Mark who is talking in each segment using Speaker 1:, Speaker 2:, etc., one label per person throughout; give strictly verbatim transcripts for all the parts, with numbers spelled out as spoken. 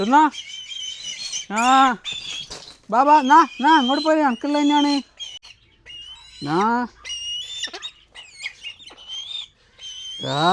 Speaker 1: എന്നാ ആ ബാബാ എന്നാ എന്നാ അങ്ങോട്ട് പോയി അണക്കുള്ള തന്നെയാണ് ആ ആ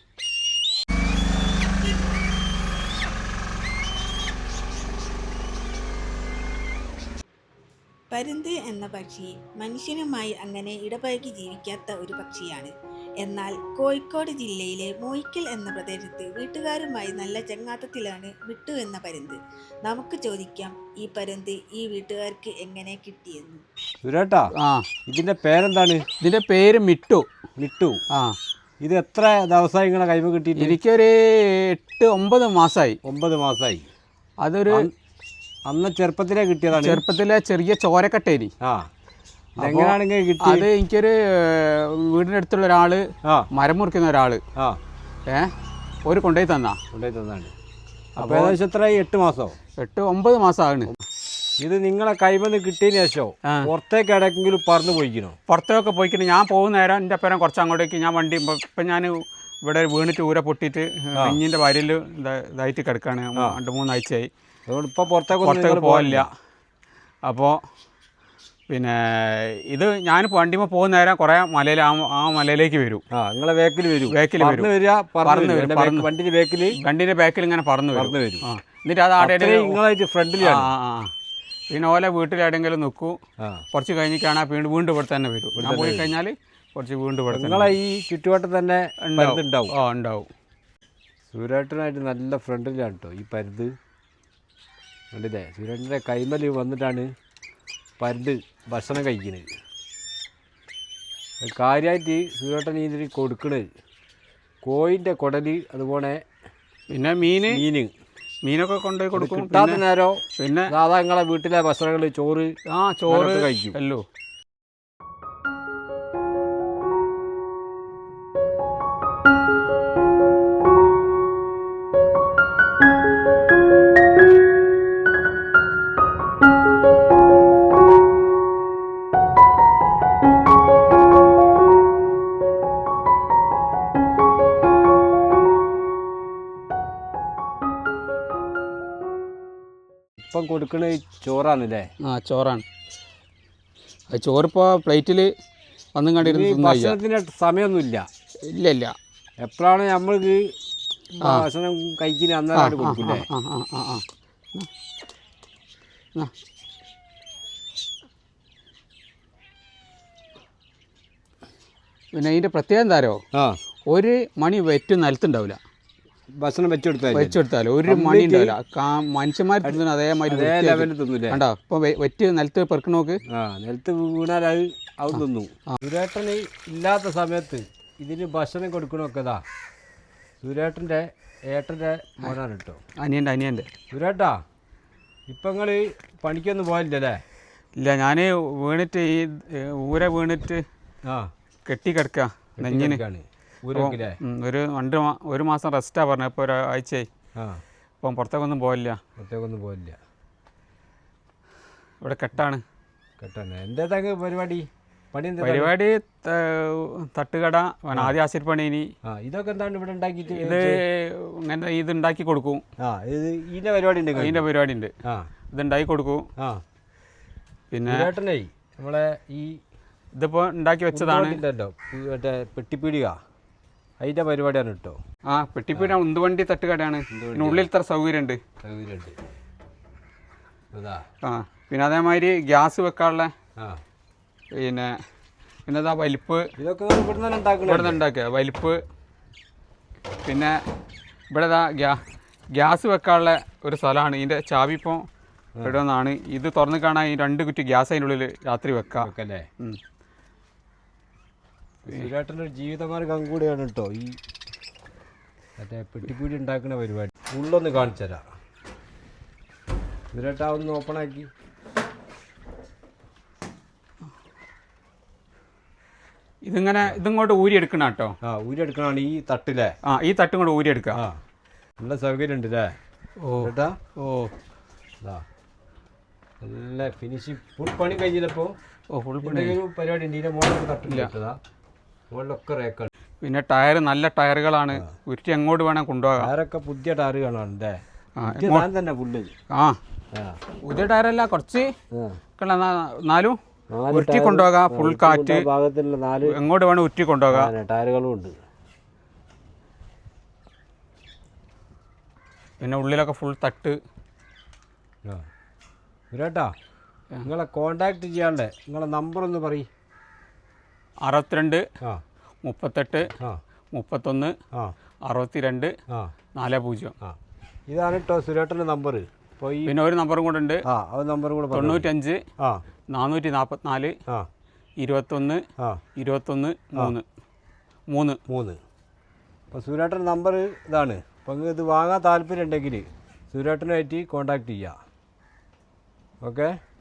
Speaker 2: പരുന്ത് എന്ന പക്ഷി മനുഷ്യനുമായി അങ്ങനെ ഇടപഴകി ജീവിക്കാത്ത ഒരു പക്ഷിയാണ്. എന്നാൽ കോഴിക്കോട് ജില്ലയിലെ മൂയിക്കൽ എന്ന പ്രദേശത്ത് വീട്ടുകാരുമായി നല്ല ചങ്ങാത്തത്തിലാണ് മിട്ടു എന്ന പരുന്ത്. നമുക്ക് ചോദിക്കാം ഈ പരുന്ത് ഈ വീട്ടുകാർക്ക് എങ്ങനെ കിട്ടിയെന്ന്.
Speaker 3: സുരേട്ടാ,
Speaker 1: ആ
Speaker 3: ഇതിന്റെ പേരെന്താണ്?
Speaker 1: ഇതിൻ്റെ പേര് മിട്ടു.
Speaker 3: മിട്ടു.
Speaker 1: ആ
Speaker 3: ഇത് എത്ര ദിവസമായി നിങ്ങളെ കൈമ കിട്ടിയിട്ട്?
Speaker 1: എനിക്കൊരു എട്ട് ഒമ്പത് മാസമായി.
Speaker 3: ഒമ്പത് മാസമായി.
Speaker 1: അതൊരു
Speaker 3: അന്ന് ചെറുപ്പത്തിലേ കിട്ടിയതാണ്.
Speaker 1: ചെറുപ്പത്തിലെ ചെറിയ ചോരക്കട്ടേനി.
Speaker 3: ആ എങ്ങനെയാണെങ്കിൽ കിട്ടി?
Speaker 1: അത് എനിക്കൊരു വീടിൻ്റെ അടുത്തുള്ള ഒരാൾ
Speaker 3: ആ
Speaker 1: മരം മുറിക്കുന്ന ഒരാൾ
Speaker 3: ആ
Speaker 1: ഏ ഒരു കൊണ്ടുപോയി തന്നാ.
Speaker 3: കൊണ്ടുപോയി തന്നാണ്. അപ്പോൾ ഏകദേശം എത്രയായി? എട്ട് മാസമോ?
Speaker 1: എട്ട് ഒമ്പത് മാസമാണ്.
Speaker 3: ഇത് നിങ്ങളെ കൈമന്ന് കിട്ടിയതിന് ശേഷം പുറത്തേക്ക് ഇടയ്ക്കെങ്കിലും പറന്ന് പോയിക്കണോ?
Speaker 1: പുറത്തേക്ക് പോയിക്കിട്ട് ഞാൻ പോകുന്ന നേരം എൻ്റെ പേരം കുറച്ച് അങ്ങോട്ടേക്ക് ഞാൻ വണ്ടി ഇപ്പം ഞാൻ ഇവിടെ വീണിട്ട് ഊര പൊട്ടിയിട്ട് കുഞ്ഞിൻ്റെ വരയിൽ ഇതായിട്ട് കിടക്കുകയാണ്. രണ്ട് മൂന്നാഴ്ചയായി.
Speaker 3: അതുകൊണ്ട് ഇപ്പോൾ പുറത്തേക്ക്
Speaker 1: പുറത്തേക്ക് പോകില്ല. അപ്പോൾ പിന്നെ ഇത് ഞാൻ വണ്ടിമേ പോകുന്ന നേരം കുറേ മലയിൽ ആ ആ മലയിലേക്ക് വരും.
Speaker 3: ആ നിങ്ങളെ വേക്കിൽ വരും.
Speaker 1: വേക്കിൽ വരും
Speaker 3: വരിക പറന്ന്
Speaker 1: വരും
Speaker 3: വണ്ടിൻ്റെ വേക്കിൽ
Speaker 1: വണ്ടിൻ്റെ ബാക്കിൽ ഇങ്ങനെ പറന്ന്
Speaker 3: പറന്ന്
Speaker 1: വരും.
Speaker 3: വരും.
Speaker 1: ആ എന്നിട്ട് അത് ആടെ
Speaker 3: നിങ്ങളായിട്ട് ഫ്രണ്ടിലാണ്.
Speaker 1: ആ ആ പിന്നെ ഓലെ വീട്ടിലെവിടെയെങ്കിലും നിൽക്കും. കുറച്ച് കഴിഞ്ഞിട്ടാണ് വീണ്ടും വീണ്ടും ഇവിടെ തന്നെ വരും. ഞാൻ പോയി കഴിഞ്ഞാൽ കുറച്ച് വീണ്ടും ഇവിടെ
Speaker 3: നിങ്ങളെ ഈ ചുറ്റുവട്ടം തന്നെ ഉണ്ടാവും.
Speaker 1: ആ ഉണ്ടാവും.
Speaker 3: സൂര്യേട്ടനായിട്ട് നല്ല ഫ്രണ്ടിലാണ് കേട്ടോ ഈ പരുന്ത്. കണ്ടില്ലേ? സൂര്യേട്ടൻ്റെ കൈമൽ വന്നിട്ടാണ് പരുന്ത് ഭക്ഷണം കഴിക്കുന്നത്. കാര്യമായിട്ട് സൂര്യേട്ടൻ ഇതിന് കൊടുക്കണത് കോഴിൻ്റെ കുടല്, അതുപോലെ
Speaker 1: പിന്നെ മീൻ
Speaker 3: മീൻ
Speaker 1: മീനൊക്കെ കൊണ്ടുപോയി കൊടുക്കും.
Speaker 3: കിട്ടാത്ത നേരം
Speaker 1: പിന്നെ
Speaker 3: സാധാ നിങ്ങളെ വീട്ടിലെ ഭക്ഷണങ്ങൾ ചോറ്
Speaker 1: ആ ചോറ്
Speaker 3: കഴിക്കും.
Speaker 1: അല്ലോ
Speaker 3: ഇപ്പം കൊടുക്കുന്നത് ചോറാണല്ലേ?
Speaker 1: ആ ചോറാണ്. അത് ചോറിപ്പോൾ പ്ലേറ്റിൽ വന്നും കണ്ടിരുന്നു.
Speaker 3: ഭക്ഷണത്തിന് സമയമൊന്നുമില്ല.
Speaker 1: ഇല്ല ഇല്ല.
Speaker 3: എപ്പോഴാണ് നമ്മൾക്ക് ഭക്ഷണം കഴിക്കുന്നത് അന്നേരമായിട്ട് കൊടുക്കില്ലേ?
Speaker 1: ആ ആ ആ ആ പിന്നെ അതിൻ്റെ പ്രത്യേകം എന്താരോ,
Speaker 3: ആ
Speaker 1: ഒരു മണി വെറ്റ് നിലത്തുണ്ടാവില്ല.
Speaker 3: ഭക്ഷണം വെച്ചെടുത്താൽ
Speaker 1: വെച്ചെടുത്താൽ ഒരു മണി ഉണ്ടാവില്ല. മനുഷ്യന്മാർ തിന്നുന്ന അതേമാതിരി
Speaker 3: തിന്നില്ലേ?
Speaker 1: കണ്ടോ ഇപ്പോൾ വെറ്റ് നിലത്ത് പെറുക്കണ നോക്ക്.
Speaker 3: ആ നിലത്ത് വീണാൽ അത് അത് തിന്നു. സുരേട്ടന് ഇല്ലാത്ത സമയത്ത് ഇതിന് ഭക്ഷണം കൊടുക്കണമൊക്കെ ഇതാ സുരേട്ടൻ്റെ ഏട്ടൻ്റെ മോനാണ് കേട്ടോ.
Speaker 1: അനിയൻ്റെ അനിയൻ്റെ
Speaker 3: സുരേട്ടാ, ഇപ്പം നിങ്ങൾ പണിക്കൊന്നും പോയില്ലല്ലേ?
Speaker 1: ഇല്ല, ഞാൻ വീണിട്ട് ഈ ഊര വീണിട്ട്
Speaker 3: ആ
Speaker 1: കെട്ടിക്കിടക്കുക നെഞ്ഞിന്.
Speaker 3: ഊരൊക്കെ
Speaker 1: ഒരു രണ്ട് ഒരു മാസം റെസ്റ്റാണ് പറഞ്ഞത്. ഇപ്പോൾ ഒരാഴ്ചയായി.
Speaker 3: ആ
Speaker 1: അപ്പം പുറത്തേക്കൊന്നും പോകില്ല.
Speaker 3: പുറത്തേക്കൊന്നും പോയില്ല.
Speaker 1: ഇവിടെ കെട്ടാണ്.
Speaker 3: കെട്ടാണ്. എന്താ തങ്ങ് പരിപാടി? പണി എന്താ
Speaker 1: പരിപാടി? തട്ടുകട. ആദ്യം ആശിർപ്പണി. ഇനി
Speaker 3: ആ ഇതൊക്കെ എന്താണ് ഇവിടെ ഉണ്ടാക്കിയിട്ട്?
Speaker 1: ഇത് ഇങ്ങനെ ഇത് ഉണ്ടാക്കി കൊടുക്കും.
Speaker 3: ആ ഇത് ഇതിൻ്റെ പരിപാടി ഉണ്ട്.
Speaker 1: ഇതിൻ്റെ പരിപാടി ഉണ്ട്.
Speaker 3: ആ
Speaker 1: ഇത് ഉണ്ടാക്കി കൊടുക്കും.
Speaker 3: ആ
Speaker 1: പിന്നെ
Speaker 3: ചേട്ടനേ നമ്മളെ ഈ
Speaker 1: ഇതിപ്പോൾ ഉണ്ടാക്കി വെച്ചതാണ്.
Speaker 3: ഉണ്ടല്ലോ മറ്റേ പെട്ടിപ്പീടിക, അതിൻ്റെ പരിപാടിയാണ് കേട്ടോ.
Speaker 1: ആ പെട്ടിപ്പീട ഉന്തുവണ്ടി തട്ടുകടയാണ്. പിന്നെ ഉള്ളിൽ ഇത്ര സൗകര്യമുണ്ട്.
Speaker 3: സൗകര്യമുണ്ട്. അതാ
Speaker 1: ആ പിന്നെ അതേമാതിരി ഗ്യാസ് വെക്കാനുള്ള
Speaker 3: ആ
Speaker 1: പിന്നെ പിന്നെ ഇതാ വലിപ്പ്.
Speaker 3: ഇതൊക്കെ ഇവിടെ നിന്ന് ഉണ്ടാക്കണം.
Speaker 1: ഇവിടെ നിന്ന് ഉണ്ടാക്കുക വലിപ്പ്. പിന്നെ ഇവിടെ ഇതാ ഗ്യാ ഗ്യാസ് വെക്കാനുള്ള ഒരു സ്ഥലമാണ്. ഇതിൻ്റെ ചാവി ഇപ്പോൾ ഇവിടെ നിന്നാണ്. ഇത് തുറന്ന് കാണാൻ ഈ രണ്ട് കുറ്റി ഗ്യാസ് അതിൻ്റെ ഉള്ളിൽ രാത്രി വെക്കാം
Speaker 3: അല്ലേ? സുരേട്ടൻ്റെ ഒരു ജീവിതമാർഗം കൂടെയാണ് കേട്ടോ ഈ മറ്റേ പെട്ടിപ്പീടി ഉണ്ടാക്കുന്ന പരിപാടി. ഉള്ളൊന്ന് കാണിച്ചു തരാം. സുരേട്ടാ ഒന്ന് ഓപ്പണാക്കി.
Speaker 1: ഇതിങ്ങനെ ഇതിങ്ങോട്ട് ഊരിയെടുക്കണം കേട്ടോ.
Speaker 3: ആ ഊരിയെടുക്കണതാണ് ഈ തട്ടിലെ.
Speaker 1: ആ ഈ തട്ടും കൂടെ ഊരിയെടുക്കുക.
Speaker 3: ആ നല്ല സൗകര്യം ഉണ്ട് അല്ലേ?
Speaker 1: ഓ
Speaker 3: ചേട്ടാ
Speaker 1: ഓ
Speaker 3: അതാ നല്ല ഫിനിഷിങ്. ഫുൾ പണി കഴിഞ്ഞില്ലപ്പോൾ.
Speaker 1: ഓ ഫുൾ പണി.
Speaker 3: എന്തെങ്കിലും പരിപാടി ഉണ്ട്? ഇതിൻ്റെ മുകളിലൊക്കെ തട്ടില്ല. മുകളിലൊക്കെ റേക്കാണ്.
Speaker 1: പിന്നെ ടയർ നല്ല ടയറുകളാണ്. ഉരുട്ടി എങ്ങോട്ട് വേണം കൊണ്ടുപോകാം.
Speaker 3: ടയറൊക്കെ പുതിയ ടയർ കാണാനുണ്ടേ.
Speaker 1: ആ
Speaker 3: ഇത് ഞാൻ തന്നെ ഫുള്ള്
Speaker 1: ആ
Speaker 3: ആ
Speaker 1: പുതിയ ടയറല്ല കുറച്ച്
Speaker 3: ആ.
Speaker 1: ഒക്കെ ഉള്ള നാ- നാലും
Speaker 3: നാല്
Speaker 1: ഉരുട്ടി
Speaker 3: ടയർ
Speaker 1: കൊണ്ടുപോകാം ഫുൾ കാറ്റ്
Speaker 3: ഭാഗത്തുള്ള നാല്
Speaker 1: എങ്ങോട്ട് വേണം ഉരുട്ടി കൊണ്ടുപോകാം.
Speaker 3: ആ, ടയറുകളും ഉണ്ട്.
Speaker 1: പിന്നെ ഉള്ളിലൊക്കെ ഫുൾ തട്ട്.
Speaker 3: ആ സുരേട്ടാ നിങ്ങളെ കോണ്ടാക്ട് ചെയ്യാണ്ടേ നിങ്ങളെ നമ്പർ ഒന്ന് പറയും.
Speaker 1: അറുപത്തിരണ്ട്
Speaker 3: ആ
Speaker 1: മുപ്പത്തെട്ട്
Speaker 3: ആ
Speaker 1: മുപ്പത്തൊന്ന്
Speaker 3: ആ
Speaker 1: അറുപത്തിരണ്ട്
Speaker 3: ആ
Speaker 1: നാല് പൂജ്യം.
Speaker 3: ആ ഇതാണ് കേട്ടോ സുരേട്ടൻ്റെ നമ്പർ. അപ്പോൾ ഈ
Speaker 1: പിന്നെ ഒരു നമ്പറും കൂടെ ഉണ്ട്,
Speaker 3: ആ അത് നമ്പറും കൂടെ പറഞ്ഞു.
Speaker 1: തൊണ്ണൂറ്റഞ്ച്
Speaker 3: ആ
Speaker 1: നാനൂറ്റി നാൽപ്പത്തിനാല്
Speaker 3: ആ
Speaker 1: ഇരുപത്തൊന്ന്
Speaker 3: ആ
Speaker 1: ഇരുപത്തൊന്ന് മൂന്ന് മൂന്ന്
Speaker 3: മൂന്ന്. അപ്പോൾ സുരേട്ടൻ്റെ നമ്പർ ഇതാണ്. അപ്പോൾ നിങ്ങൾക്ക് ഇത് വാങ്ങാൻ താല്പര്യം ഉണ്ടെങ്കിൽ സുരേട്ടനുമായിട്ട് കോണ്ടാക്ട് ചെയ്യുക. ഓക്കെ.